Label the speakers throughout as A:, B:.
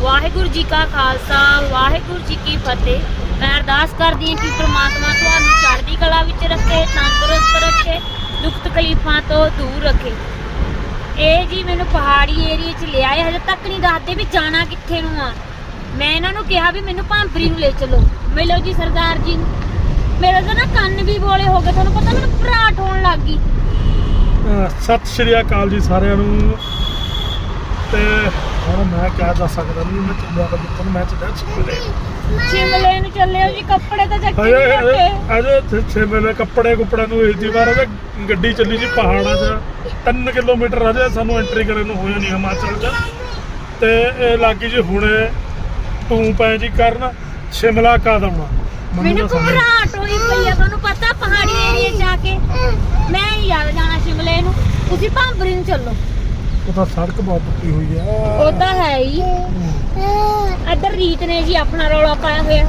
A: ਵਾਹਿਗੁਰੂ ਜੀ ਕਾ ਖਾਲਸਾ ਵਾਹਿਗੁਰੂ ਜੀ ਕੀ ਫਤਿਹ। ਮੈਂ ਅਰਦਾਸ ਕਰਦੀ ਹਾਂ ਕਿ ਪ੍ਰਮਾਤਮਾ ਤੁਹਾਨੂੰ ਚੜ੍ਹਦੀ ਕਲਾ ਵਿੱਚ ਰੱਖੇ, ਤੰਦਰੁਸਤ ਰੱਖੇ, ਦੁੱਖ ਤਕਲੀਫਾਂ ਤੋਂ ਦੂਰ ਰੱਖੇ। ਇਹ ਜੀ ਮੈਨੂੰ ਪਹਾੜੀ ਏਰੀਏ 'ਚ ਲਿਆਏ, ਹਜੇ ਤੱਕ ਨਹੀਂ ਦੱਸਦੇ ਵੀ ਜਾਣਾ ਕਿੱਥੇ ਨੂੰ ਆ। ਮੈਂ ਇਹਨਾਂ ਨੂੰ ਕਿਹਾ ਵੀ ਮੈਨੂੰ ਭਾਂਬਰੀ ਨੂੰ ਲੈ ਚਲੋ। ਮਿਲੋ ਜੀ ਸਰਦਾਰ ਜੀ ਨੂੰ। ਮੇਰੇ ਤਾਂ ਨਾ ਕੰਨ ਵੀ ਬੋਲੇ ਹੋ ਗਏ, ਤੁਹਾਨੂੰ ਪਤਾ ਮੈਨੂੰ ਭਰਾਟ ਹੋਣ ਲੱਗ ਗਈ।
B: ਸਤਿ ਸ਼੍ਰੀ ਅਕਾਲ ਜੀ ਸਾਰਿਆਂ ਨੂੰ। ਤੇ ਹੁਣ ਮੈਂ ਕਹਿ ਦੱਸ ਸਕਦਾ ਨਹੀਂ, ਮੈਂ ਚੱਲਿਆ ਤਾਂ ਜਿੱਥੇ ਮੈਂ ਚੱਲਿਆ
A: ਸ਼ਿਮਲੇ ਨੂੰ ਚੱਲੇ ਹੋ ਜੀ। ਕੱਪੜੇ ਤਾਂ ਚੱਕੇ ਨਹੀਂ ਰੱਖੇ
B: ਅਜੇ ਸ਼ਿਮਲੇ ਕੱਪੜੇ ਨੂੰ ਇਸ ਵਾਰ ਗੱਡੀ ਚੱਲੀ ਜੀ ਪਹਾੜਾਂ 'ਚ 3 ਕਿਲੋਮੀਟਰ ਅਜੇ ਸਾਨੂੰ ਐਂਟਰੀ ਕਰਨ ਨੂੰ ਹੋਇਆ ਨਹੀਂ ਹਿਮਾਚਲ 'ਚ। ਤੇ ਇਹ ਲੱਗੀ ਜੀ ਹੁਣੇ ਤੂੰ ਪੈ ਜੀ ਕਰਨ ਸ਼ਿਮਲਾ ਕਦਮ
A: ਮੈਨੂੰ ਘਬਰਾਹਟ ਹੋਈ ਪਈ ਆ। ਤੁਹਾਨੂੰ ਪਤਾ ਪਹਾੜੀ ਏਰੀਏ 'ਚ ਆ ਕੇ ਮੈਂ ਨਹੀਂ ਯਾਦ ਜਾਣਾ ਸ਼ਿਮਲੇ ਨੂੰ। ਤੁਸੀਂ ਭਾਂਬਰੀ ਨੂੰ ਚੱਲੋ।
B: ਉਹ ਤਾਂ ਸੜਕ ਬਹੁਤ ਟੁੱਟੀ ਹੋਈ ਆ।
A: ਉਹ ਤਾਂ ਹੈ ਹੀ। ਇੱਧਰ ਰੀਤ ਨੇ ਜੀ ਆਪਣਾ ਰੌਲਾ ਪਾਇਆ ਹੋਇਆ।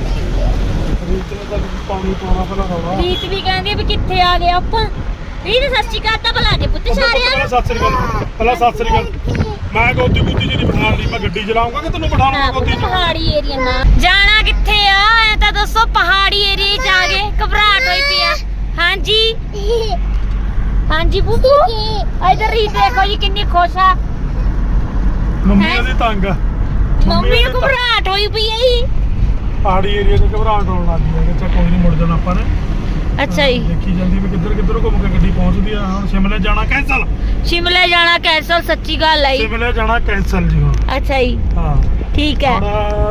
B: ਰੀਤ ਨੇ ਤਾਂ ਪਾਣੀ ਪਾਉਣਾ ਪਹਿਲਾਂ ਰੌਲਾ।
A: ਰੀਤ ਵੀ ਕਹਿੰਦੀ ਵੀ ਕਿੱਥੇ ਆ ਗਏ ਆਪਾਂ। ਰੀਤ ਸਤਿ ਸ਼੍ਰੀ ਅਕਾਲ ਤਾਂ ਬੁਲਾ ਦੇ ਪੁੱਤ ਸਾਰਿਆਂ ਨੂੰ।
B: ਸਤਿ ਸ਼੍ਰੀ ਅਕਾਲ ਪਹਿਲਾਂ ਸਤਿ ਸ਼੍ਰੀ ਅਕਾਲ। ਮੈਂ ਗੋਦੀ ਗੁੱਦੀ ਜੀ ਨਹੀਂ ਬਿਠਾਉਣੀ, ਮੈਂ ਗੱਡੀ ਚਲਾਉਂਗਾ ਕਿ ਤੈਨੂੰ ਬਿਠਾਉਣਾ ਗੋਦੀ 'ਚ?
A: ਪਹਾੜੀ ਏਰੀਆ ਨਾ ਜਾਣਾ ਕਿੱਥੇ ਆ ਐ ਤਾਂ ਦੱਸੋ। ਪਹਾੜੀ ਏਰੀਏ 'ਚ ਆ ਗਏ, ਘਬਰਾਹਟ ਹੋਈ ਪਈ ਆ। ਹਾਂਜੀ ਹਾਂਜੀ ਬੂਬੂ ਇਧਰ ਰੀਤ ਦੇਖੋ ਜੀ ਕਿੰਨੀ ਖੁਸ਼ ਆ।
B: ਮੰਮੀ ਦੀ ਤੰਗ ਆ।
A: ਮੰਮੀ ਨੂੰ ਘਬਰਾਹਟ ਹੋਈ ਪਈ ਆ ਜੀ।
B: ਪਹਾੜੀ ਏਰੀਆ 'ਚ ਘਬਰਾਹਟ ਹੋਣ ਲੱਗ ਗਈ ਹੈ। ਕੋਈ ਨਹੀਂ, ਮੁੜ ਜਾਣਾ ਆਪਾਂ ਨੇ।
A: ਅੱਛਾ ਜੀ।
B: ਦੇਖੀ ਜਾਂਦੀ ਵੀ ਕਿੱਧਰੋਂ ਘੁੰਮ ਕੇ ਗੱਡੀ ਪਹੁੰਚਦੀ ਆ। ਹੁਣ ਸ਼ਿਮਲੇ ਜਾਣਾ ਕੈਂਸਲ।
A: ਸ਼ਿਮਲੇ ਜਾਣਾ ਕੈਂਸਲ, ਸੱਚੀ ਗੱਲ ਆਈ।
B: ਸ਼ਿਮਲੇ ਜਾਣਾ ਕੈਂਸਲ ਜੀ ਹੁਣ।
A: ਅੱਛਾ ਜੀ,
B: ਹਾਂ
A: ਠੀਕ ਹੈ।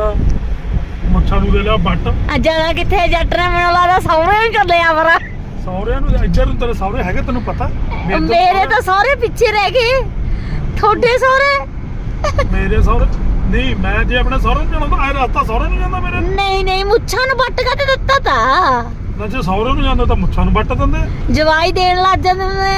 B: ਮੁੱਛਾਂ ਨੂੰ ਦੇ ਲਿਆ ਬੱਟ।
A: ਜਾਣਾ ਕਿੱਥੇ? ਜੱਟ ਨੇ ਮੈਨੂੰ ਲੱਗਦਾ ਸਹੁਰੇ ਨੂੰ ਚੱਲੇ ਆ ਪਰ।
B: ਸਹੁਰਿਆਂ ਨੂੰ ਇੱਧਰ ਨੂੰ ਤੇਰੇ ਸਹੁਰੇ ਹੈਗੇ ਤੈਨੂੰ ਪਤਾ?
A: ਮੇਰੇ ਤਾਂ ਸਹੁਰੇ ਪਿੱਛੇ ਰਹਿ ਗਏ। ਤੁਹਾਡੇ ਸਹੁਰੇ?
B: ਮੇਰੇ ਸਹੁਰੇ ਨਹੀਂ। ਮੈਂ ਜੇ ਆਪਣੇ ਸਹੁਰੇ ਨੂੰ ਜਾਣਾ ਤਾਂ ਇਹ ਰਸਤਾ ਸਹੁਰੇ ਨੂੰ ਜਾਂਦਾ ਮੇਰੇ।
A: ਨਹੀਂ ਮੁੱਛਾਂ ਨੂੰ ਵੱਟ ਕੇ ਦਿੱਤਾ ਤਾਂ।
B: ਨਾ ਜੇ ਸਹੁਰੇ ਨੂੰ ਜਾਂਦਾ ਤਾਂ ਮੁੱਛਾਂ ਨੂੰ ਵੱਟ ਦਿੰਦੇ।
A: ਜਵਾਈ ਦੇਣ ਲੱਗ ਜਾਂਦੇ ਨੇ।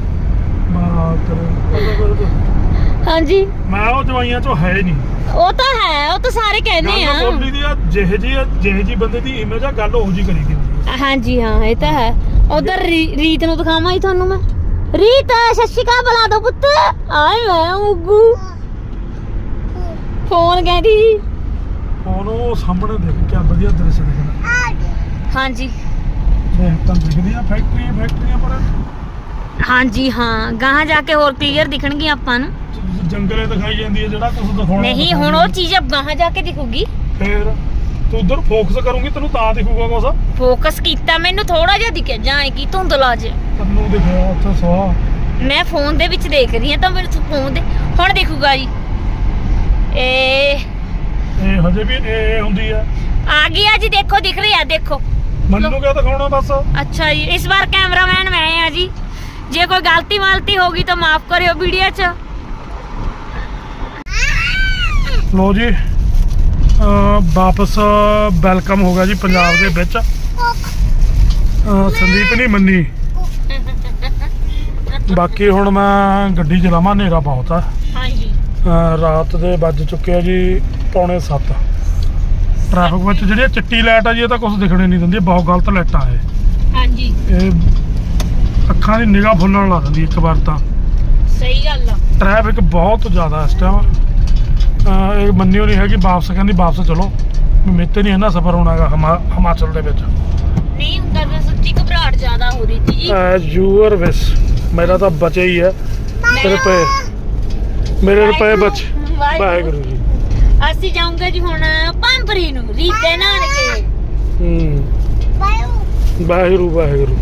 A: ਹਾਂਜੀ
B: ਮੈਂ ਉਹ ਜਵਾਈਆਂ ਚੋਂ ਹੈ ਨਹੀਂ।
A: ਉਹ ਤਾਂ ਹੈ, ਉਹ ਤਾਂ ਸਾਰੇ ਕਹਿੰਦੇ ਆ।
B: ਗੱਲ ਬੋਲੀ ਦੀ ਆ, ਜਿਹੇ ਜੀ ਬੰਦੇ ਦੀ ਇਮੇਜ ਆ, ਗੱਲ ਉਹੋ ਜੀ ਕਰੀ ਦੀ।
A: ਹਾਂਜੀ ਹਾਂ ਇਹ ਤਾਂ ਹੈ। ਉਧਰ ਰੀਤ ਨੂੰ ਦਿਖਾਵਾਂ ਹੀ ਤੁਹਾਨੂੰ ਮੈਂ। ਰੀਤ ਸਤਿ ਸ਼੍ਰੀ ਅਕਾਲ ਬੁਲਾ ਦੋ ਪੁੱਤ। ਆਏ ਮੈਂ ਉਗੂ ਫੋਨ ਕਹਿੰਦੀ।
B: ਹੁਣ ਉਹ ਸਾਹਮਣੇ ਦੇਖ ਕਿਆ ਵਧੀਆ ਦ੍ਰਿਸ਼ ਦਿਖਦਾ।
A: ਹਾਂਜੀ
B: ਦੇਖ ਤਾਂ ਦਿਖਦੀਆਂ ਫੈਕਟਰੀਆਂ ਪਰ।
A: ਹਾਂਜੀ ਹਾਂ, ਗਾਹਾਂ ਜਾ ਕੇ ਹੋਰ ਕਲੀਅਰ ਦਿਖਣਗੀਆਂ ਆਪਾਂ ਨੂੰ।
B: ਜੰਗਲੇ ਦਿਖਾਈ ਜਾਂਦੀ ਹੈ, ਜਿਹੜਾ ਕੁਝ ਦਿਖਾਉਣਾ
A: ਨਹੀਂ ਹੁਣ ਉਹ ਚੀਜ਼ ਗਾਹਾਂ ਜਾ ਕੇ ਦਿਖੂਗੀ।
B: ਫੇਰ ਤੂੰ ਉਧਰ ਫੋਕਸ ਕਰੂੰਗੀ ਤੈਨੂੰ ਤਾਂ ਦਿਖੂਗਾ ਕੁਛ।
A: ਫੋਕਸ ਕੀਤਾ ਮੈਨੂੰ ਥੋੜਾ ਜਿਹਾ ਦਿਖਿਆ, ਜਾਣ ਕੀ ਧੁੰਦਲਾ ਜਿਹਾ
B: ਤੈਨੂੰ ਦਿਖਿਆ ਉੱਥੇ ਸਵਾਹ।
A: ਮੈਂ ਫੋਨ ਦੇ ਵਿੱਚ ਦੇਖ ਰਹੀ ਹਾਂ ਤਾਂ ਮੈਨੂੰ ਫੋਨ ਦੇ ਹੁਣ ਦਿਖੂਗਾ ਜੀ। ਇਹ
B: ਹਜੇ ਵੀ ਇਹ ਹੁੰਦੀ ਆ।
A: ਆ ਗਿਆ ਜੀ, ਦੇਖੋ ਦਿਖ ਰਿਹਾ, ਦੇਖੋ
B: ਮੈਨੂੰ ਕਿਆ ਦਿਖਾਉਣਾ ਬਸ।
A: ਅੱਛਾ ਜੀ, ਇਸ ਵਾਰ ਕੈਮਰਾਮੈਨ ਮੈਂ ਆ ਜੀ। ਜੇ ਕੋਈ ਗਲਤੀ ਹੋ ਗਈ ਤਾਂ ਮਾਫ ਕਰਿਓ ਵੀਡੀਓ 'ਚ।
B: ਲੋ ਜੀ ਵਾਪਸ ਵੈਲਕਮ ਹੋ ਗਿਆ ਜੀ ਪੰਜਾਬ ਦੇ ਵਿੱਚ। ਸੰਦੀਪ ਨਹੀਂ ਮੰਨੀ। ਬਾਕੀ ਹੁਣ ਮੈਂ ਗੱਡੀ ਚਲਾਵਾਂ, ਹਨੇਰਾ ਬਹੁਤ ਆ।
A: ਹਾਂਜੀ
B: ਰਾਤ ਦੇ ਵੱਜ ਚੁੱਕੇ ਆ ਜੀ 6:45। ਟ੍ਰੈਫਿਕ ਵਿੱਚ ਜਿਹੜੀ ਚਿੱਟੀ ਲਾਈਟ ਆ ਜੀ, ਇਹ ਤਾਂ ਕੁਝ ਦਿਖਣੇ ਨਹੀਂ ਦਿੰਦੀ, ਬਹੁਤ ਗਲਤ ਲਾਈਟਾਂ ਇਹ।
A: ਹਾਂਜੀ
B: ਇਹ ਅੱਖਾਂ ਦੀ ਨਿਗਾਹ ਫੁੱਲਣ ਲਾ ਦਿੰਦੀ ਇੱਕ ਵਾਰ ਤਾਂ।
A: ਸਹੀ ਗੱਲ ਆ।
B: ਟ੍ਰੈਫਿਕ ਬਹੁਤ ਜ਼ਿਆਦਾ ਇਸ ਟਾਈਮ। ਇਹ ਮੰਨਿਓ ਨਹੀਂ ਹੈਗੀ, ਵਾਪਸ ਕਹਿੰਦੀ ਵਾਪਸ ਚਲੋ। ਮੇਰੇ ਤੇ ਨਹੀਂ ਇਹਨਾਂ ਸਫ਼ਰ ਹੋਣਾ ਹੈਗਾ ਹਿਮਾਚਲ ਦੇ ਵਿੱਚ।
A: ਨਹੀਂ ਹੁੰਦਾ ਤਾਂ ਸੱਚੀ ਘਬਰਾਹਟ ਜ਼ਿਆਦਾ ਹੋ ਰਹੀ ਸੀ ਜੀ।
B: Your wish. ਮੇਰਾ ਤਾਂ ਬਚੇ ਹੀ ਹੈ ਮੇਰੇ ਰੁਪਏ ਬਚ। ਵਾਹਿਗੁਰੂ ਜੀ।
A: ਅਸੀਂ ਜਾਊਂਗੇ ਜੀ ਹੁਣ ਭਾਂਬਰੀ ਨੂੰ, ਰੀਤ ਦੇ ਨਾਨਕੇ।
B: ਵਾਹਿਗੁਰੂ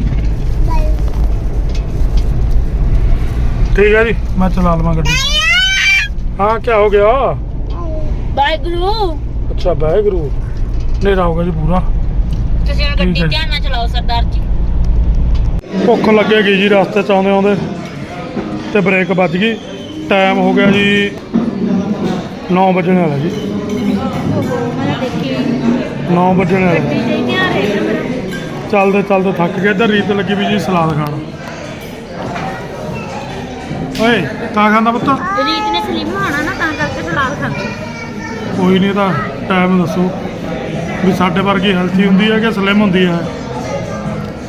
B: ਠੀਕ ਹੈ ਜੀ, ਮੈਂ ਚਲਾ ਲਵਾਂ ਗੱਡੀ। ਹਾਂ ਕੀ ਹੋ ਗਿਆ?
A: ਵਾਹਿਗੁਰੂ।
B: ਅੱਛਾ ਵਾਹਿਗੁਰੂ। ਹਨੇਰਾ ਹੋ ਗਿਆ ਜੀ ਪੂਰਾ।
A: ਤੁਸੀਂ ਹੁਣ ਗੱਡੀ ਧਿਆਨ ਨਾਲ ਚਲਾਓ ਸਰਦਾਰ ਜੀ।
B: ਭੁੱਖ ਲੱਗੇਗੀ ਜੀ ਰਸਤੇ 'ਚ ਆਉਂਦੇ ਤੇ ਬ੍ਰੇਕ ਵੱਜ ਗਈ। ਟਾਈਮ ਹੋ ਗਿਆ ਜੀ 9 ਵਜਣ ਵਾਲਾ ਜੀ। 9 ਵਜਣ ਵਾਲਾ। ਚੱਲਦੇ ਥੱਕ ਗਏ। ਇੱਧਰ ਰੀਤ ਲੱਗੀ ਵੀ ਜੀ ਸਲਾਦ ਖਾਣ। ਓਏ ਕਾ ਖਾਂਦਾ ਪੁੱਤ?
A: ਰੀਤ ਨੇ ਸਲਿਮ ਹੋਣਾ ਨਾ ਤਾਂ ਕਰਕੇ ਸਲਾਦ ਖਾਂਦੀ।
B: ਕੋਈ ਨਹੀਂ, ਤਾਂ ਟਾਈਮ ਦੱਸੋ ਵੀ ਸਾਡੇ ਵਰਗੀ ਹੈਲਥੀ ਹੁੰਦੀ ਹੈ ਕਿ ਸਲਿਮ ਹੁੰਦੀ ਹੈ।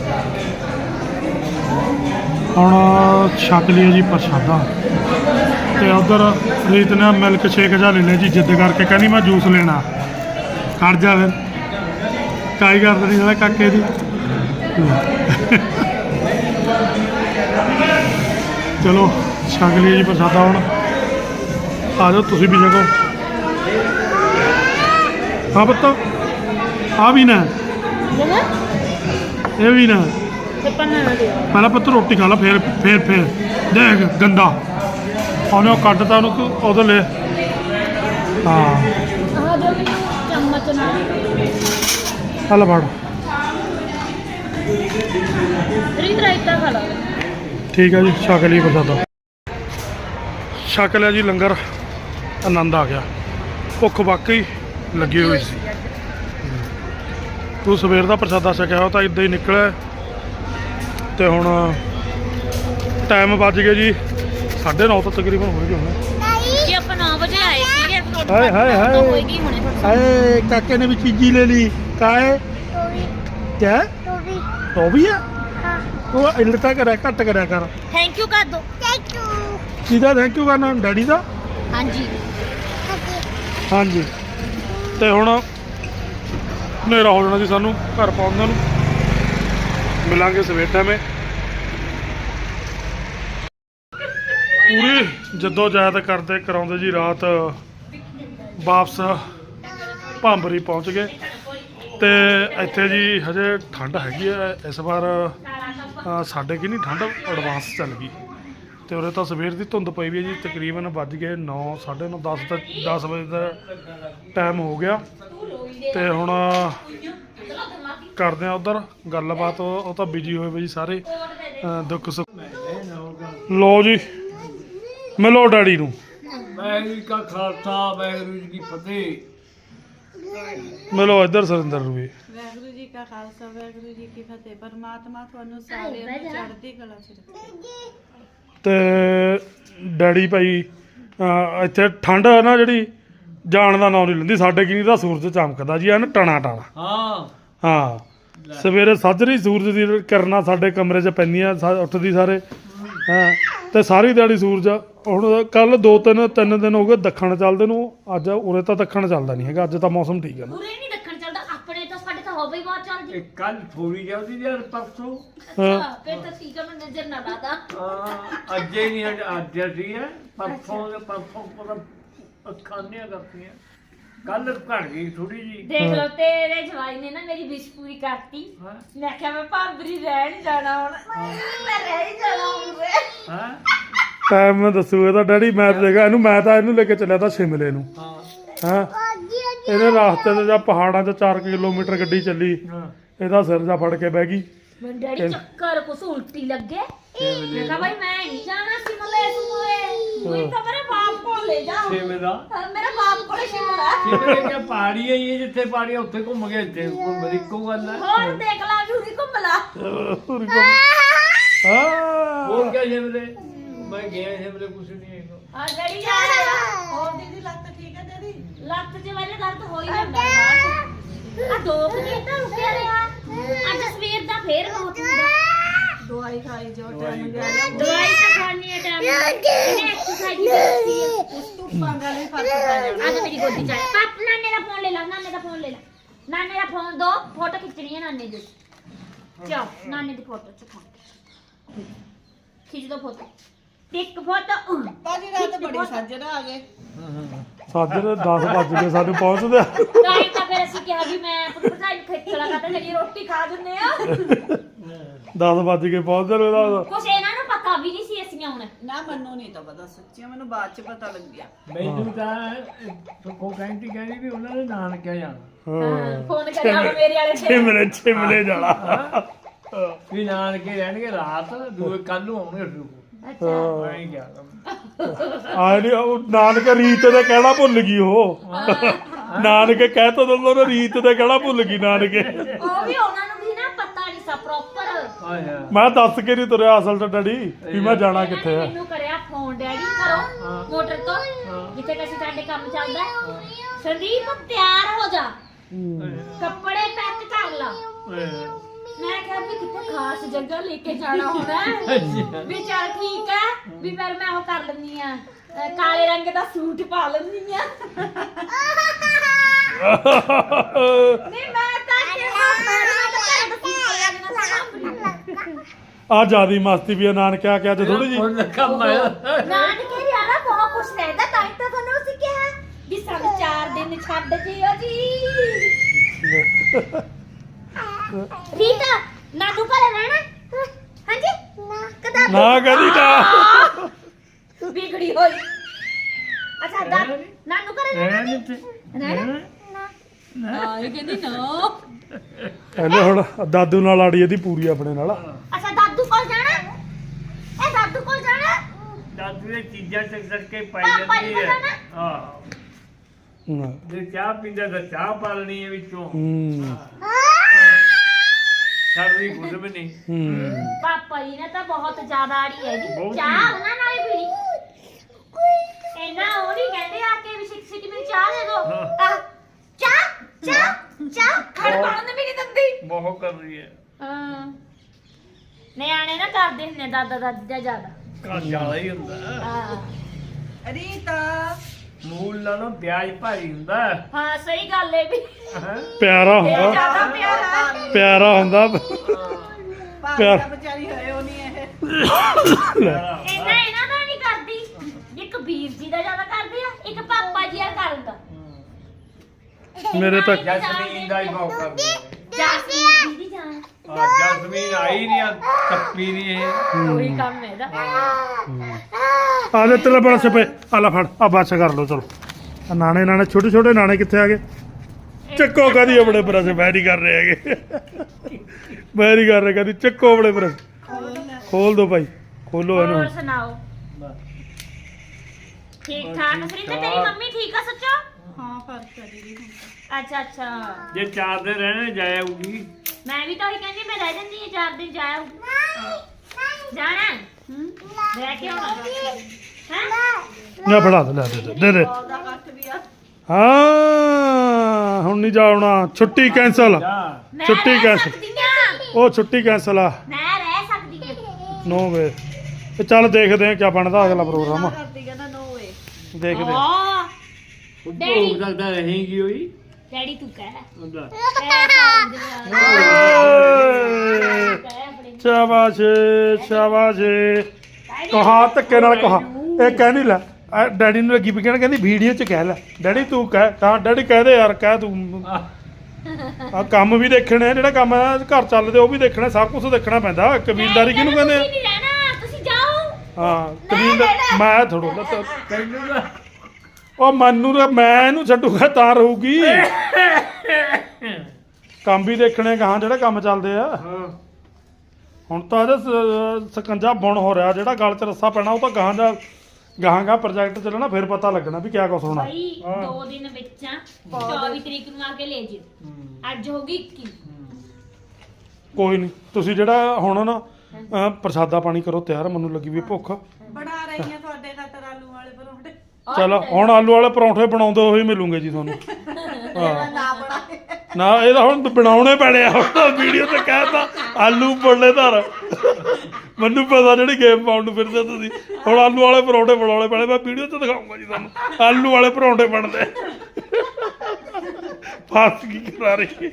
B: ਹੁਣ ਛਕ ਲਿਆ ਜੀ ਪ੍ਰਸ਼ਾਦਾ। ਤੇ ਉਧਰ ਰੀਤ ਨੇ ਮਿਲਕ ਸ਼ੇਕ ਜਾ ਲੈ ਲਿਆ ਜੀ ਜਿੱਦ ਕਰਕੇ ਕਹਿੰਦੀ ਮੈਂ ਜੂਸ ਲੈਣਾ ਖੜ ਜਾ ਫਿਰ ਕਾਈ ਕਰਦਾ ਨਹੀਂ ਸਾਲਾ ਕਾਕੇ ਦੀ ਚਲੋ ਛਕ ਲਈਏ ਜੀ ਪ੍ਰਸ਼ਾਦਾ ਹੁਣ ਆ ਜਾਓ ਤੁਸੀਂ ਵੀ ਛਕੋ ਹਾਂ ਪੁੱਤ ਆ ਵੀ ਨਾ ਇਹ ਵੀ ਨਾ ਪਹਿਲਾਂ ਪੁੱਤ ਰੋਟੀ ਖਾ ਲਾ ਫੇਰ ਦੇਖ ਗੰਦਾ ਉਹਨੇ ਉਹ ਕੱਢਤਾ ਉਹਨੂੰ ਉਹਦੇ ਲੈ ਹਾਂ
A: ਚਮਚ ਨਾਲ
B: ਹਲ ਫੜ
A: ਰੀਤ ਰਾਇਤਾ ਖਾ ਲਾ
B: ਠੀਕ ਹੈ ਜੀ ਛਕ ਲਈ ਪ੍ਰਸ਼ਾਦਾ ਛਕ ਲਿਆ ਜੀ ਲੰਗਰ ਆਨੰਦ ਆ ਗਿਆ ਭੁੱਖ ਵਾਕਈ ਲੱਗੀ ਹੋਈ ਸੀ ਤੂੰ ਸਵੇਰ ਦਾ ਪ੍ਰਸ਼ਾਦਾ ਛਕਿਆ ਹੋ ਤਾਂ ਇਦਾਂ ਹੀ ਨਿਕਲਿਆ ਤੇ ਹੁਣ ਟਾਈਮ ਵੱਜ ਗਿਆ ਜੀ 9:30 ਤੋਂ ਤਕਰੀਬਨ ਹੋ ਗਏ ਹੁਣ
A: ਜੀ ਆਪਾਂ 9 ਵਜੇ ਆਏ ਸੀਗੇ
B: ਹਾਏ ਹਾਏ ਹਾਏ
A: ਹੋਏਗੀ ਹੁਣੇ
B: ਹਾਏ ਕਾਕੇ ਨੇ ਵੀ ਚੀਜ਼ੀ ਲੈ ਲਈ ਕਾਏ ਕਿਆ ਉਹ ਵੀ ਆ ਉਹ ਇਲਟਾ ਕਰਿਆ ਘੱਟ ਕਰਿਆ ਕਰ
A: ਥੈਂਕ ਯੂ ਕਰ ਦੋ ਥੈਂਕ ਯੂ
B: ਕਿਹਦਾ ਥੈਂਕ ਯੂ ਕਰਨਾ ਡੈਡੀ ਦਾ
A: ਹਾਂਜੀ
B: ਹਾਂਜੀ ਤੇ ਹੁਣ ਹਨੇਰਾ ਹੋ ਜਾਣਾ ਸੀ ਸਾਨੂੰ ਘਰ ਪਹੁੰਚਣ ਨੂੰ ਮਿਲਾਂਗੇ ਸਵੇਰ ਟਾਈਮੇ ਪੂਰੀ ਜੱਦੋ ਜਹਿਦ ਕਰਦੇ ਕਰਾਉਂਦੇ ਜੀ ਰਾਤ ਵਾਪਸ ਭਾਂਬਰੀ ਪਹੁੰਚ ਗਏ ਤੇ ਇੱਥੇ ਜੀ ਹਜੇ ਠੰਡ ਹੈਗੀ ਹੈ ਇਸ ਵਾਰ ਸਾਡੇ ਕੀ ਨਹੀਂ ਠੰਡ ਐਡਵਾਂਸ ਚੱਲ ਗਈ ਤੇ ਉਰੇ ਤਾਂ ਸਵੇਰ ਦੀ ਧੁੰਦ ਪਈ ਵੀ ਹੈ ਜੀ ਤਕਰੀਬਨ ਵੱਜ ਗਏ 9 9:30 10 ਵਜੇ ਦਾ ਟਾਈਮ ਹੋ ਗਿਆ ਤੇ ਹੁਣ ਕਰਦੇ ਆ ਉਧਰ ਗੱਲਬਾਤ ਉਹ ਤਾਂ ਬਿਜੀ ਹੋਏ ਬਈ ਸਾਰੇ ਦੁੱਖ ਸੁੱਖ ਲੋ ਜੀ ਮਿਲੋ ਡੈਡੀ ਨੂੰ
C: ਵਾਹਿਗੁਰੂ ਜੀ ਕਾ ਖਾਲਸਾ ਵਾਹਿਗੁਰੂ ਜੀ ਕੀ ਫਤਿਹ
B: ਮਿਲੋ ਇੱਧਰ ਸੁਰਿੰਦਰ ਨੂੰ ਵੀ
D: ਵਾਹਿਗੁਰੂ ਜੀ ਕਾ ਖਾਲਸਾ ਵਾਹਿਗੁਰੂ ਜੀ ਕੀ ਫਤਿਹ ਪਰਮਾਤਮਾ ਤੁਹਾਨੂੰ ਸਾਰਿਆਂ ਨੂੰ ਚੜ੍ਹਦੀ ਕਲਾ ਚ ਰੱਖੇ
B: ਤੇ ਡੈਡੀ ਭਾਈ ਇੱਥੇ ਠੰਡ ਹੈ ਨਾ ਜਿਹੜੀ ਜਾਣ ਦਾ ਨਾਂ ਨਹੀਂ ਲੈਂਦੀ ਸਾਡੇ ਕੀ ਨਹੀਂ ਤਾਂ ਸੂਰਜ ਚਮਕਦਾ ਜੀ ਐਨ ਟਣਾ ਟਣਾ ਹਾਂ ਸਵੇਰੇ ਸਾਜਰੀ ਸੂਰਜ ਦੀ ਕਿਰਨਾਂ ਸਾਡੇ ਕਮਰੇ 'ਚ ਪੈਂਦੀਆਂ ਉੱਠਦੀ ਸਾਰੇ ਹਾਂ ਤੇ ਸਾਰੀ ਦਿਹਾੜੀ ਸੂਰਜ ਹੁਣ ਕੱਲ 2-3 ਦਿਨ ਹੋ ਗਏ ਦੱਖਣ ਚੱਲਦੇ ਨੂੰ ਅੱਜ ਉਰੇ ਤਾਂ ਦੱਖਣ ਚੱਲਦਾ ਨਹੀਂ ਹੈਗਾ ਅੱਜ ਤਾਂ ਮੌਸਮ ਠੀਕ ਹੈ ਨਾ
A: ਉਰੇ ਨਹੀਂ ਦੱਖਣ ਚੱਲਦਾ ਆਪਣੇ ਤਾਂ ਸਾਡੇ ਤਾਂ ਹੋਵੇ ਹੀ ਬਹੁਤ ਚੱਲਦੀ
C: ਕੱਲ ਥੋੜੀ ਜਾਂਦੀ ਯਾਰ ਪਰਸੋਂ
A: ਅੱਛਾ ਫਿਰ ਤਾਂ ਠੀਕ ਹੈ ਮੈਂ ਨਜ਼ਰ ਨਾ ਲਾਦਾ
C: ਅੱਜੇ ਨਹੀਂ ਅੱਜ ਠੀਕ ਹੈ ਪਰਸੋਂ ਪਤਾ ਅੱਖਾਂ ਕਰਤੀਆਂ ਕੱਲ ਘਟ ਗਈ ਥੋੜੀ ਜੀ
A: ਦੇਖ ਲਓ ਤੇਰੇ ਜਵਾਈ ਨੇ ਨਾ ਮੇਰੀ ਵਿਸ਼ ਪੂਰੀ ਕਰਤੀ ਮੈਂ ਕਿਹਾ ਮੈਂ ਭਾਂਬਰੀ ਰਹਿਣ ਜਾਣਾ ਹੁਣ ਮੈਂ ਰਹਿ ਹੀ ਜਾਣਾ ਉਰੇ
B: ਟਾਈਮ ਮੈਂ ਦੱਸੂਗਾ ਤਾਂ ਡੈਡੀ ਮੈਂ ਦੇਖਾ ਮੈਂ ਤਾਂ ਇਹਨੂੰ ਲੈ ਕੇ ਚੱਲਿਆ ਤਾਂ ਸ਼ਿਮਲੇ ਨੂੰ ਹਾਂ ਇਹਨੇ ਰਾਸਤੇ 'ਚ ਜਾਂ ਪਹਾੜਾਂ 'ਚ 4 ਕਿਲੋਮੀਟਰ ਗੱਡੀ ਚੱਲੀ ਇਹਦਾ ਸਿਰ ਜਾ ਫੜ ਕੇ ਬਹਿ ਗਈ
A: ਮੈਂ ਡੈਡੀ ਚੱਕਰ ਕੁਛ ਉਲਟੀ ਲੱਗੇ ਮੈਂ ਕਿਹਾ ਭਾਈ ਮੈਂ ਨਹੀਂ ਜਾਣਾ ਸਿਮਲੇ ਤਾਂ ਮੇਰੇ ਬਾਪ ਕੋਲ ਲੈ ਜਾ
C: ਛੇਵੇਂ ਦਾ
A: ਮੇਰੇ ਬਾਪ ਕੋਲ ਸ਼ਿਮਲਾ
C: ਛੇਵੇਂ ਕਿਆ ਪਹਾੜੀ ਹੈ ਇਹ ਜਿੱਥੇ ਪਹਾੜੀ ਉੱਥੇ ਘੁੰਮ ਗਏ ਇੱਥੇ ਮੇਰੀ ਇੱਕੋ ਗੱਲ ਹੈ
A: ਹੋਰ ਦੇਖ ਲਾ ਜੂਰੀ ਘੁੰਮ ਲਾ
C: ਹੋਰ ਕਿਆ ਛੇਵੇਂ ਮੈਂ ਗਿਆ ਛੇਵੇਂ ਕੁਛ ਨਹੀਂ ਹੈਗਾ
A: ਆ ਡੈਡੀ ਜਾ ਰਿਹਾ
D: ਹੋਰ ਦੀਦੀ ਲੱਤ ਠੀਕ ਹੈ ਤੇਰੀ
A: ਲੱਤ 'ਚ ਮੇਰੇ ਦਰਦ ਹੋ ਹੀ ਜਾਂਦਾ ਬਾਅਦ ਆ 2 ਮਿੰਟ ਤਾਂ ਰੁਕਿਆ ਰਿਹਾ ਅੱਜ ਸਵੇਰ ਦਾ ਫੇਰ ਬਹੁਤ ਹੁੰਦਾ
D: ਦਵਾਈ ਖਾਈ ਜੋ ਟਾਈਮ ਗਿਆ
A: ਦਵਾਈ ਤਾਂ ਖਾਣੀ ਹੈ ਟਾਈਮ ਇਹਨੇ ਐਕਸਰਸਾਈਜ਼ ਕੀਤੀ ਹੈ
D: ਉਸ ਤੋਂ ਪੰਗਾ ਨਹੀਂ ਫਰਕ ਪੈ ਜਾਣਾ
A: ਅੱਜ ਮੇਰੀ ਗੋਦੀ 'ਚ ਆਇਆ ਪਾਪ ਨਾਨੇ ਦਾ ਫੋਨ ਲੈ ਲਾ ਨਾਨੇ ਦਾ ਫੋਨ ਲੈ ਲਾ ਨਾਨੇ ਦਾ ਫੋਨ ਦੋ ਫੋਟੋ ਖਿੱਚਣੀ ਹੈ ਨਾਨੇ ਦੀ ਚਾ ਨਾਨੇ ਦੀ ਫੋਟੋ ਚੁੱਕਾ ਖਿੱਚ ਦੋ ਫੋਟੋ ਇੱਕ ਫੋਟੋ
D: ਬਾਜੀ ਰਾਤ ਬੜੀ ਸਾਜਰਾ ਆ ਗਏ
B: ਸਾਜਰੇ 10 ਵੱਜ ਗਏ ਸਾਨੂੰ ਪਹੁੰਚਦੇ
A: ਟਾਈਮ ਤਾਂ ਫਿਰ ਅਸੀਂ ਕਿਹਾ ਵੀ ਮੈਂ ਆਪਣੀ ਭਰਜਾਈ ਨੂੰ ਖੇਚਲਾ ਕਰਦਾ ਜਿਹੜੀ ਰੋਟੀ ਖਾ ਦਿੰਦੇ ਆ
B: 10 ਵੱਜ ਕੇ ਪਹੁੰਚਦੇ ਨੇ ਉਹਦਾ
A: ਕੁਛ ਇਹਨਾਂ ਨੂੰ ਪਤਾ ਵੀ ਨਹੀਂ ਸੀ ਅਸੀਂ ਆਉਣਾ
D: ਨਾ ਮੈਨੂੰ ਨਹੀਂ ਤਾਂ ਪਤਾ ਸੱਚੀ ਮੈਨੂੰ ਬਾਅਦ ਚ ਪਤਾ ਲੱਗਿਆ
C: ਮੈਨੂੰ ਤਾਂ ਕੋ ਕਹਿੰਦੀ ਵੀ ਉਹਨਾਂ ਨੇ ਨਾਨਕਿਆ ਜਾਣਾ
B: ਹਾਂ
A: ਫੋਨ ਕਰਿਆ ਮੇਰੇ ਵਾਲੇ ਤੇ
B: ਛਿਮਲੇ ਜਾਣਾ
C: ਵੀ ਨਾਨਕੇ ਰਹਿਣਗੇ ਰਾਤ ਦੂਏ ਕੱਲ ਨੂੰ ਆਉਣਗੇ ਫਿਰ
A: ਅੱਛਾ
C: ਮੈਂ ਗਿਆ
B: ਆ ਨਹੀਂ ਉਹ ਨਾਨਕ ਰੀਤ ਦੇ ਕਹਿਣਾ ਭੁੱਲ ਗਈ ਉਹ ਨਾਨਕ ਕਹਿ ਤਾ ਦਿੰਦਾ ਉਹਨੇ ਰੀਤ ਦੇ ਕਹਿਣਾ ਭੁੱਲ ਗਈ ਨਾਨਕੇ
A: ਉਹ ਵੀ ਉਹਨਾਂ ਨੂੰ ਵੀ ਨਾ ਪਤਾ ਨਹੀਂ ਸਾ ਪ੍ਰੋਪਰ
B: ਮੈਂ ਦੱਸ ਕੇ ਨਹੀਂ ਤੁਰਿਆ ਅਸਲ ਤਾਂ ਡੈਡੀ ਵੀ ਮੈਂ ਜਾਣਾ ਕਿੱਥੇ ਆ
A: ਮੈਨੂੰ ਕਰਿਆ ਫੋਨ ਡੈਡੀ ਕਰੋ ਮੋਟਰ ਤੋਂ ਜਿੱਥੇ ਕਿਸੇ ਸਾਡੇ ਕੰਮ ਚੱਲਦਾ ਸੰਦੀਪ ਤਿਆਰ ਹੋ ਜਾ ਕੱਪੜੇ ਪੈਕ ਕਰ ਲਾ ਮੈਂ ਕਿਹਾ ਵੀ ਕਿੱਥੇ ਖਾਸ ਜਗ੍ਹਾ ਲੈ ਕੇ ਜਾਣਾ ਹੋਣਾ ਵੀ ਚੱਲ ਠੀਕ ਹੈ ਵੀ ਫਿਰ ਮੈਂ ਉਹ ਕਰ ਲੈਂਦੀ ਆ ਕਾਲੇ ਰੰਗ ਦਾ ਸੂਟ ਪਾ ਲੈਂਦੀ ਆ ਨਹੀਂ ਮੈਂ ਤਾਂ ਕਿਹਾ
B: ਆ ਜਿਆਦੀ ਮਸਤੀ ਵੀ ਆ ਨਾਨਕਿਆ ਕਿ ਅੱਜ ਥੋੜੀ ਜੀ
C: ਹੁਣ ਕੰਮ ਆਇਆ
A: ਨਾਨਕੇ ਯਾਰਾ ਬਹੁਤ ਖੁਸ਼ ਰਹਿੰਦਾ ਤਾਂ ਹੀ ਤਾਂ ਤੁਹਾਨੂੰ ਅਸੀਂ ਕਿਹਾ ਵੀ ਸਾਨੂੰ 4 ਦਿਨ ਛੱਡ ਜਿਓ ਜੀ ਰੀਤਾ ਨਾਨੂ ਘਰੇ ਰਹਿਣਾ ਹਾਂਜੀ ਕਦਾ
B: ਨਾ ਕਦੀ ਨਾ
A: ਵਿਗੜੀ ਹੋਈ ਅੱਛਾ ਨਾਨੂ ਘਰੇ ਰਹਿਣਾ
C: ਰਹਿਣਾ ਨੀ
A: ਰਹਿਣਾ ਨਾ ਇਹ ਕਹਿੰਦੀ ਨਾ
B: ਕਹਿੰਦੇ ਹੁਣ ਦਾਦੂ ਨਾਲ ਆੜੀ ਇਹਦੀ ਪੂਰੀ ਆਪਣੇ ਨਾਲ
A: ਅੱਛਾ ਦਾਦੂ ਕੋਲ ਜਾਣਾ ਇਹ ਦਾਦੂ ਕੋਲ ਜਾਣਾ
C: ਦਾਦੂ ਇਹ ਚੀਜ਼ਾਂ ਚੱਕ ਚੱਕ ਕੇ ਪਾਈ
A: ਪਾਪਾ ਜੀ
C: ਜਾਂਦੀ
A: ਕੋਲ
C: ਹੈ
A: ਜਾਣਾ
C: ਹਾਂ ਜੇ ਚਾਹ ਪੀਂਦਾ ਤਾਂ ਚਾਹ ਪਾ ਲੈਣੀ ਹੈ ਵਿੱਚੋਂ ਛੱਡਦੀ ਕੁਝ ਵੀ ਨਹੀਂ
A: ਪਾਪਾ ਜੀ ਨੇ ਤਾਂ ਬਹੁਤ ਜ਼ਿਆਦਾ ਆੜੀ ਹੈ ਜੀ
C: ਬਹੁਤ
A: ਚਾਹ ਉਹਨਾਂ ਨਾਲ ਹੀ ਪੀਣੀ ਇਹਨਾਂ ਉਹ ਨਹੀਂ ਕਹਿੰਦੇ ਆ ਕੇ ਵੀ ਸਿੱਖ ਮੈਨੂੰ ਚਾਹ ਦੇ ਦੋ
C: ਹਾਂ।
A: ਚਾਹ ਖੜ ਪਾਉਣ ਵੀ ਨਹੀਂ ਦਿੰਦੀ
C: ਬਹੁਤ ਕਰ ਰਹੀ ਹੈ
A: ਹਾਂ ਨਿਆਣੇ ਨਾ ਕਰਦੇ ਹੁੰਦੇ ਦਾਦਾ ਦਾਦੀ ਦਾ ਜ਼ਿਆਦਾ
C: ਕਾ ਜ਼ਿਆਦਾ ਹੀ ਹੁੰਦਾ
A: ਹਾਂ
D: ਰੀਤਾ
C: ਮੂਲ ਨਾਲੋਂ ਵਿਆਜ ਭਾਰੀ ਹੁੰਦਾ ਹੈ।
A: ਹਾਂ ਸਹੀ ਗੱਲ ਹੈ ਵੀ
C: ਹੈਂ?
B: ਪਿਆਰਾ
A: ਇਹ
B: ਹੁੰਦਾ
A: ਜ਼ਿਆਦਾ ਪਿਆਰਾ
B: ਪਿਆਰਾ ਹੁੰਦਾ
D: ਭਾਈ ਦਾ ਵਿਚਾਰੀ ਹੋਏ ਉਹ ਨਹੀਂ ਇਹ
C: ਪਿਆਰਾ ਹੁੰਦਾ।
A: ਇਹਨਾਂ ਦਾ ਨਹੀਂ ਕਰਦੀ ਇੱਕ ਵੀਰ ਜੀ ਦਾ ਜ਼ਿਆਦਾ ਕਰਦੇ ਆ ਇੱਕ ਪਾਪਾ ਜੀ ਆ ਕਰਦਾ
B: ਮੇਰੇ ਤਾਂ
C: ਜਸਮੀਨ ਦਾ ਹੀ ਬਹੁਤ ਕਰਦੀ ਹੈ
A: ਜਾਸਮੀਨ ਦੀ ਜਾਨ
C: ਜਸਮੀਨ ਆਈ ਨਹੀਂ ਟੱਪੀ ਨਹੀਂ ਇਹ
A: ਉਹੀ ਕੰਮ ਹੈ ਇਹਦਾ
B: ਆ ਲੈ ਤੇਰੇ ਬੜਾ ਸਪੇ ਆ ਲੈ ਫੜ ਆ ਬਸ ਕਰ ਲੋ ਚਲੋ ਆ ਨਾਣੇ ਛੋਟੇ ਛੋਟੇ ਨਾਣੇ ਕਿੱਥੇ ਆ ਗਏ ਚੱਕੋ ਕਦੀ ਆਪਣੇ ਬਰਸ ਬੈਰੀ ਕਰ ਰਹੇ ਹੈਗੇ ਬੈਰੀ ਕਰ ਰਹੇ ਕਦੀ ਚੱਕੋ ਆਪਣੇ ਬਰਸ ਖੋਲ ਦੋ ਭਾਈ ਖੋਲੋ
A: ਹੋਰ
B: ਇਹਨੂੰ
A: ਸੁਣਾਓ ਠੀਕ ਠਾਕ ਸ੍ਰੀ ਤੇ ਤੇਰੀ ਮੰਮੀ ਠੀਕ ਆ ਸੱਚੋ
D: ਹਾਂ ਫਰਕ ਹੈ ਦੀਦੀ ਹੁਣ ਤਾਂ।
A: ਅੱਛਾ ਅੱਛਾ
C: ਜੇ 4 ਦਿਨ ਰਹਿਣੇ ਜਾਏਗੀ
A: ਮੈਂ ਵੀ ਤਾਂ ਉਹੀ ਕਹਿੰਦੀ ਮੈਂ ਰਹਿ ਜਾਂਦੀ ਹਾਂ 4 ਦਿਨ ਜਾਇਆ ਜਾਣਾ ਰਹਿ ਕੇ ਆਉਣਾ ਹੈ
B: ਨਾ ਫੜਾ ਦੇ ਦੇ
D: ਉਹਦਾ ਕੱਟ ਵੀ ਆ
B: ਹਾਂ ਹੁਣ ਨਹੀਂ ਜਾਣਾ ਛੁੱਟੀ ਕੈਂਸਲ
C: ਜਾ
A: ਮੈਂ
B: ਛੁੱਟੀ
A: ਰਹਿ
B: ਕੈਂਸਲ
A: ਸਕਦੀ ਹਾਂ
B: ਉਹ ਛੁੱਟੀ ਕੈਂਸਲ ਆ
A: ਮੈਂ ਰਹਿ ਸਕਦੀ ਹਾਂ
B: 9 ਵਜੇ ਤੇ ਚੱਲ ਦੇਖਦੇ ਆ ਕੀ ਬਣਦਾ ਅਗਲਾ ਪ੍ਰੋਗਰਾਮ
D: ਕਰਦੀ ਕਹਿੰਦਾ ਨੋ ਵੇ
B: ਦੇਖਦੇ ਆ
A: ਹਾਂ
C: ਭੋਗ ਸਕਦਾ ਰਹੇਗੀ ਹੋਈ
A: ਡੈਡੀ ਤੂੰ ਕਹਿ
C: ਹੁੰਦਾ
B: ਸ਼ਾਬਾਸ਼ ਸ਼ਾਬਾਸ਼ ਕਹਾ ਧੱਕੇ ਨਾਲ ਕਹਾ ਇਹ ਕਹਿ ਨਹੀਂ ਲੈ ਡੈਡੀ ਨੂੰ ਲੱਗੀ ਵੀ ਕਹਿਣ ਕਹਿੰਦੀ ਵੀਡੀਓ 'ਚ ਕਹਿ ਲੈ ਡੈਡੀ ਤੂੰ ਕਹਿ ਤਾਂ ਡੈਡੀ ਕਹਦੇ ਯਾਰ ਕਹਿ ਤੂੰ ਆ ਕੰਮ ਵੀ ਦੇਖਣੇ ਜਿਹੜਾ ਕੰਮ ਘਰ ਚੱਲਦੇ ਉਹ ਵੀ ਦੇਖਣਾ ਸਭ ਕੁਝ ਦੇਖਣਾ ਪੈਂਦਾ ਕਬੀਲਦਾਰੀ ਕਿਹਨੂੰ ਕਹਿੰਦੇ ਆ
A: ਨਹੀਂ ਰਹਿਣਾ ਤੁਸੀਂ ਜਾਓ
B: ਹਾਂ ਕਬੀਲਦਾਰ ਮੈਂ ਥੋੜੋ
C: ਤੈਨੂੰ ਤਾਂ
B: ਉਹ ਮੈਨੂੰ ਤਾਂ ਮੈਂ ਇਹਨੂੰ ਛੱਡੂਗਾ ਤਾਂ ਰਹੂਗੀ ਕੰਮ ਵੀ ਦੇਖਣੇ ਗਾਹਾਂ ਜਿਹੜੇ ਕੰਮ ਚੱਲਦੇ ਆ
C: ਹਾਂ
B: ਹੁਣ ਤਾਂ ਇਹਦਾ ਸਕੰਜਾ ਬੁਣ ਹੋ ਰਿਹਾ ਜਿਹੜਾ ਗਲ 'ਚ ਰੱਸਾ ਪੈਣਾ ਉਹ ਤਾਂ ਗਾਹਾਂ ਪ੍ਰੋਜੈਕਟ ਚੱਲਣਾ ਫਿਰ ਪਤਾ ਲੱਗਣਾ ਵੀ ਕਿਆ ਕੁਛ ਹੋਣਾ
A: ਭਾਈ 2 ਦਿਨ ਵਿੱਚ ਆ 24 ਤਰੀਕ ਨੂੰ ਆ ਕੇ ਲੈ ਜਿਓ ਅੱਜ ਹੋ ਗਈ 21
B: ਕੋਈ ਨਹੀਂ ਤੁਸੀਂ ਜਿਹੜਾ ਹੁਣ ਨਾ ਪ੍ਰਸ਼ਾਦਾ ਪਾਣੀ ਕਰੋ ਤਿਆਰ ਮੈਨੂੰ ਲੱਗੀ ਵੀ ਭੁੱਖ
D: ਬਣਾ ਰਹੀ ਆ ਤੁਹਾਡੇ ਖਾਤਰ ਆਲੂ ਵਾਲੇ ਪਰੌਂਠੇ
B: ਚਲੋ ਹੁਣ ਆਲੂ ਵਾਲੇ ਪਰੌਂਠੇ ਬਣਾਉਂਦੇ ਹੋਏ ਮਿਲੂਗੇ ਜੀ ਤੁਹਾਨੂੰ ਹਾਂ
D: ਨਾ ਬਣਾਏ
B: ਨਾ ਇਹਦਾ ਹੁਣ ਬਣਾਉਣੇ ਪੈਣੇ ਆ ਹੁਣ ਵੀਡੀਓ ਤੇ ਕਹਿਤਾ ਆਲੂ ਬੋਲੇ ਧਰ ਮੈਨੂੰ ਪਤਾ ਜਿਹੜੀ ਗੇਮ ਪਾਉਣ ਨੂੰ ਫਿਰਦੇ ਤੁਸੀਂ ਹੁਣ ਆਲੂ ਵਾਲੇ ਪਰੌਂਠੇ ਬਣਾਉਣੇ ਪੈਣੇ ਮੈਂ ਵੀਡੀਓ ਤੇ ਦਿਖਾਉਂਗਾ ਜੀ ਤੁਹਾਨੂੰ ਆਲੂ ਵਾਲੇ ਪਰੌਂਠੇ ਬਣਦੇ ਫਾਸ ਕੀ ਕਰਾ ਰਹੀ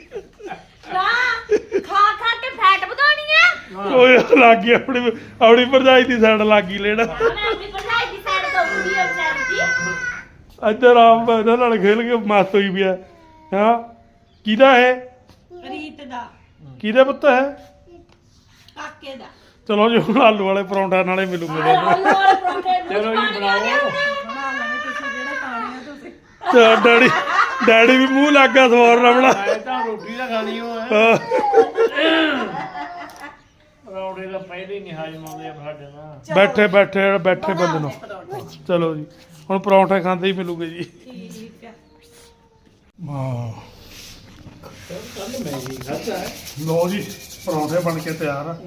A: ਖਾ ਖਾ ਕੇ ਫੈਟ ਵਧਾਉਣੀ ਆ
B: ਕੋਈ ਲੱਗ ਗਈ ਆਪਣੀ ਭਰਜਾਈ ਦੀ ਸਾਈਡ ਲੱਗ ਗਈ ਲੈਣਾ
A: ਮੈਂ ਆਪਣੀ ਭਰਜਾਈ ਦੀ ਸਾਈਡ ਤੋਂ ਬੁੜੀ ਹੋ ਜਾਂਦੀ
B: ਇੱਧਰ ਆਪ ਇਹਨਾਂ ਨਾਲ ਖੇਲ ਕੇ ਮਸਤ ਹੋਈ ਵੀ ਆ ਹਾਂ ਕਿਹਦਾ ਹੈ
D: ਰੀਤ ਦਾ
B: ਕਿਹਦੇ ਪੁੱਤ ਹੈ
D: ਕਾਕੇ ਦਾ
B: ਚਲੋ ਜੀ ਹੁਣ ਆਲੂ ਵਾਲੇ ਪਰੌਂਠਿਆਂ ਨਾਲੇ ਮਿਲੂਗੇ
A: ਆਲੂ ਵਾਲੇ ਪਰੌਂਠੇ
C: ਚਲੋ ਜੀ ਬਣਾਓ
D: ਬਣਾ ਲੈਣੇ ਤੁਸੀਂ ਜਿਹੜੇ ਖਾਣੇ ਆ ਤੁਸੀਂ
B: ਡੈਡੀ ਵੀ ਮੂੰਹ ਲੱਗ ਗਿਆ ਸਵਾਰ ਰਵਣਾ
C: ਮੈਂ ਤਾਂ ਰੋਟੀ ਤਾਂ ਖਾਣੀ ਹੋ ਰੋਟੀ ਦਾ ਪਹਿਲੇ ਹੀ ਨਹੀਂ ਹਾਜ਼ਮ ਆਉਂਦੇ ਆ ਸਾਡੇ ਨਾਲ
B: ਬੈਠੇ ਬੰਦੇ ਨੂੰ ਚਲੋ ਜੀ ਹੁਣ ਪਰੌਂਠੇ ਖਾਂਦੇ ਹੀ ਮਿਲੂਗੇ ਜੀ
D: ਠੀਕ ਆ
B: ਵਾਹ ਲੋ ਜੀ ਪਰੌਂਠੇ ਬਣ ਕੇ ਤਿਆਰ ਆ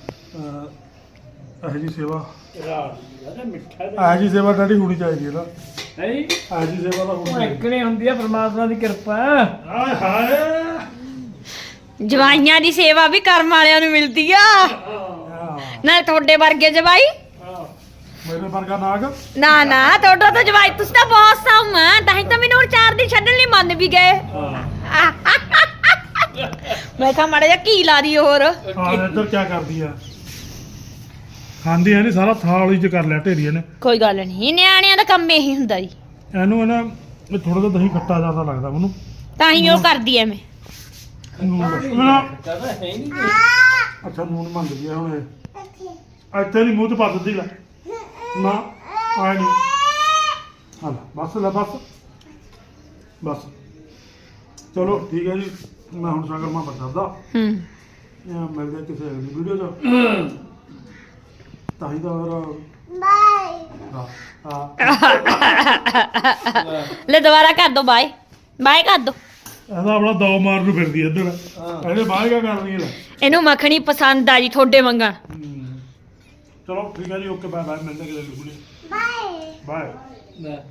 B: ਇਹ ਜੀ ਸੇਵਾ ਇਹ ਜੀ ਸੇਵਾ ਡੈਡੀ ਹੋਣੀ ਚਾਹੀਦੀ ਹੈ ਨਾ
C: ਨਹੀਂ
B: ਇਹ ਜੀ ਸੇਵਾ ਤਾਂ ਹੋਣੀ ਚਾਹੀਦੀ
C: ਇੱਕਨੇ ਹੁੰਦੀ ਆ ਪਰਮਾਤਮਾ ਦੀ ਕਿਰਪਾ
B: ਹਾਏ ਹਾਏ
A: ਜਵਾਈਆਂ ਦੀ ਸੇਵਾ ਵੀ ਕਰਮ ਵਾਲਿਆਂ ਨੂੰ ਮਿਲਦੀ ਆ
B: ਹਾਂ।
A: ਨਾਲ ਤੁਹਾਡੇ ਵਰਗੇ ਜਵਾਈ
B: ਮੇਰੇ ਵਰਗਾ ਨਾਗ
A: ਨਾ ਨਾ ਤੁਹਾਡਾ ਤਾਂ ਜਵਾਈ ਤੁਸੀਂ ਤਾਂ ਬਹੁਤ ਸਾਊ ਆ ਤਾਂ ਹੀ ਤਾਂ ਮੈਨੂੰ ਹੁਣ 4 ਦਿਨ ਛੱਡਣ ਲਈ ਮੰਨ ਵੀ ਗਏ
B: ਹਾਂ
A: ਮੈਂ ਕਿਹਾ ਮਾੜਾ ਜਿਹਾ ਕੀ ਲਾ ਦੀ ਹੋਰ
B: ਹਾਂ ਇੱਧਰ ਕੀ ਕਰਦੀ ਆ ਖਾਂਦੀ ਐ ਨਹੀਂ ਸਾਰਾ ਥਾਲ ਹੀ ਚ ਕਰ ਲਿਆ ਢੇਰੀਏ ਨੇ
A: ਕੋਈ ਗੱਲ ਨਹੀਂ ਨਿਆਣਿਆਂ ਦਾ ਕੰਮ ਇਹੀ ਹੁੰਦਾ ਜੀ
B: ਇਹਨੂੰ ਨਾ ਇਹ ਥੋੜਾ ਜਿਹਾ ਦਹੀਂ ਖੱਟਾ ਜ਼ਿਆਦਾ ਲੱਗਦਾ ਮੈਨੂੰ
A: ਤਾਂ ਹੀ ਉਹ ਕਰਦੀ ਐ ਮੈਂ
B: ਅੱਛਾ ਨੂਨ ਮੰਗ ਗਿਆ ਹੁਣ ਇਹ ਇੱਥੇ ਨਹੀਂ ਮੂੰਹ ਚ ਪਾ ਦਿੰਦੀ ਲੈ ਨਾ ਆਏ ਨਹੀਂ ਹਾਂ ਬਸ ਲੈ ਬਸ ਚਲੋ ਠੀਕ ਹੈ ਜੀ ਮੈਂ ਹੁਣ ਸਾਗਰ ਮਾਂ ਬਤਾਦਾ ਮਿਲਦੇ ਕਿਸੇ ਅਗਲੀ ਵੀਡੀਓ 'ਚ ਤਾਂ ਹੀ ਤਾਂ ਬਾਏ
A: ਲੈ ਦੁਬਾਰਾ ਕਰ ਦੋ ਬਾਏ ਕਰ ਦੋ
B: ਇਹਦਾ ਆਪਣਾ ਦੋ ਮਾਰ ਨੂੰ ਫਿਰਦੀ ਇੱਧਰ ਇਹਨੇ ਬਾਹਰ ਕਿਆ ਕਰਨੀ ਲੈ
A: ਇਹਨੂੰ ਮੱਖਣੀ ਪਸੰਦ ਆ ਜੀ ਤੁਹਾਡੇ ਮੰਗਣ
B: ਚਲੋ ਠੀਕ ਹੈ ਜੀ ਓਕੇ ਬਾਏ ਮਿਲਦੇ ਕਿਸੇ ਅਗਲੀ ਵੀਡੀਓ ਬਾਏ